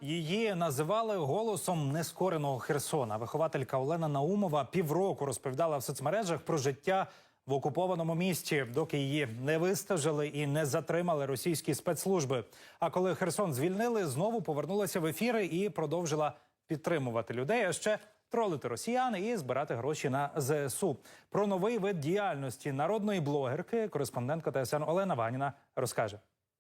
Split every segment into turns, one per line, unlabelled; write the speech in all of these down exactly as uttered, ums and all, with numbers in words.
Її називали голосом нескореного Херсона. Вихователька Олена Наумова півроку розповідала в соцмережах про життя в окупованому місті, доки її не вистежили і не затримали російські спецслужби. А коли Херсон звільнили, знову повернулася в ефіри і продовжила підтримувати людей, а ще тролити росіян і збирати гроші на зе ес у. Про новий вид діяльності народної блогерки кореспондентка Те Ес Ен Олена Ваніна розкаже.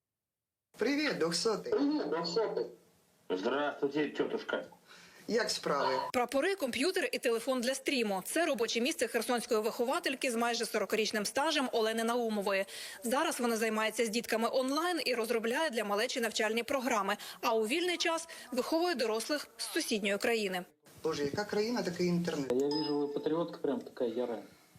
Привіт, двохсотий.
Привіт, двохсотий. Здравствуйте, тетушка.
Як справи?
Прапори, комп'ютер і телефон для стріму – це робоче місце херсонської виховательки з майже сорокарічним стажем Олени Наумової. Зараз вона займається з дітками онлайн і розробляє для малечі навчальні програми, а у вільний час виховує дорослих з сусідньої країни.
Боже, яка країна, такий інтернет.
Я вижу, ви патріотка прям така яра.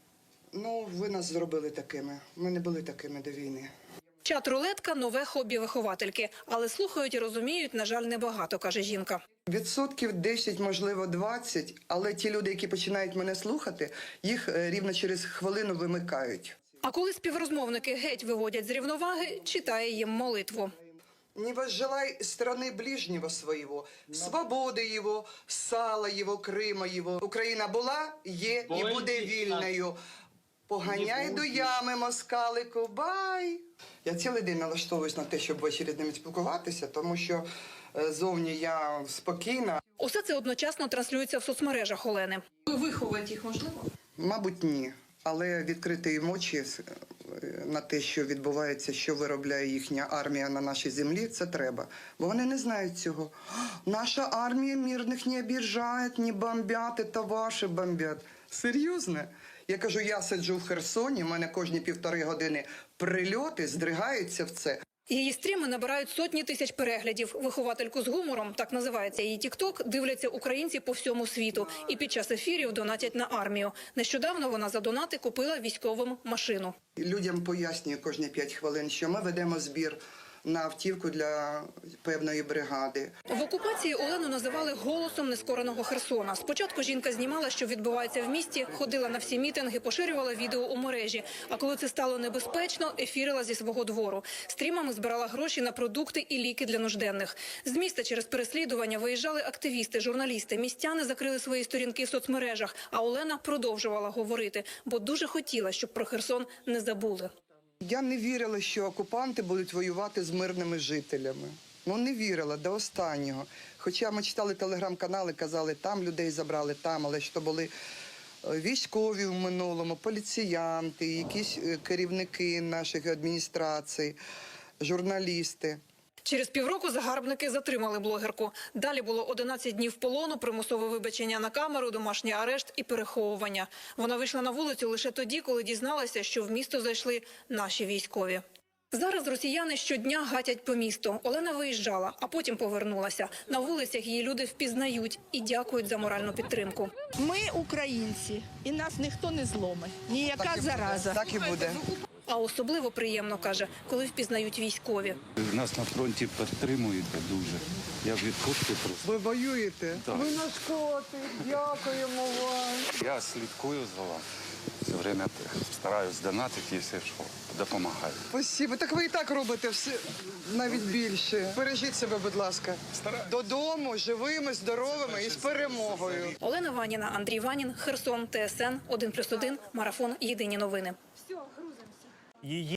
Ну, ви нас зробили такими. Ми не були такими до війни.
Чат-рулетка – нове хобі виховательки. Але слухають і розуміють, на жаль, небагато, каже жінка.
Відсотків десять, можливо, двадцять, але ті люди, які починають мене слухати, їх е, рівно через хвилину вимикають.
А коли співрозмовники геть виводять з рівноваги, читає їм молитву.
Не возжелай страны ближнего своего, свободи його, сала його, Крима його. Україна була, є і буде вільною. Поганяй до ями, москалику, бай! Я цілий день налаштовуюсь на те, щоб ввечері з ними спілкуватися, тому що е, зовні я спокійна.
Усе це одночасно транслюється в соцмережах Олени. Ви виховуєте їх, можливо?
Мабуть, ні. Але відкрити їм очі е, на те, що відбувається, що виробляє їхня армія на нашій землі, це треба. Бо вони не знають цього. Наша армія мирних не обіжає, не бомбять, це ваші бомбять. Серйозно? Я кажу, я сиджу в Херсоні, в мене кожні півтори години прильоти здригаються в це.
Її стріми набирають сотні тисяч переглядів. Виховательку з гумором, так називається її тік-ток, дивляться українці по всьому світу. І під час ефірів донатять на армію. Нещодавно вона за донати купила військовим машину.
Людям пояснюю кожні п'ять хвилин, що ми ведемо збір на автівку для певної бригади.
В окупації Олену називали голосом нескореного Херсона. Спочатку жінка знімала, що відбувається в місті, ходила на всі мітинги, поширювала відео у мережі. А коли це стало небезпечно, ефірила зі свого двору. Стрімами збирала гроші на продукти і ліки для нужденних. З міста через переслідування виїжджали активісти, журналісти. Містяни закрили свої сторінки в соцмережах, а Олена продовжувала говорити, бо дуже хотіла, щоб про Херсон не забули.
Я не вірила, що окупанти будуть воювати з мирними жителями. Ну, не вірила до останнього. Хоча ми читали телеграм-канали, казали, там людей забрали, там, але що були військові в минулому, поліціянти, якісь керівники наших адміністрацій, журналісти.
Через півроку загарбники затримали блогерку. Далі було одинадцять днів полону, примусове вибачення на камеру, домашній арешт і переховування. Вона вийшла на вулицю лише тоді, коли дізналася, що в місто зайшли наші військові. Зараз росіяни щодня гатять по місту. Олена виїжджала, а потім повернулася. На вулицях її люди впізнають і дякують за моральну підтримку.
Ми українці, і нас ніхто не зломить. Ніяка
Так і буде,
зараза.
так і буде.
А особливо приємно, каже, коли впізнають військові.
Нас на фронті підтримуєте дуже. Я в відпустці просто.
Ви воюєте?
Так.
Ви наш котик, дякуємо вам.
Я слідкую за вами. Все время стараюсь донатити і все, що допомагаю.
Спасибо. Так ви і так робите все, навіть більше. Бережіть себе, будь ласка. Додому, живими, здоровими і з перемогою.
Олена Ваніна, Андрій Ванін, Херсон, Те Ес Ен, один плюс один, Марафон, Єдині новини.
Її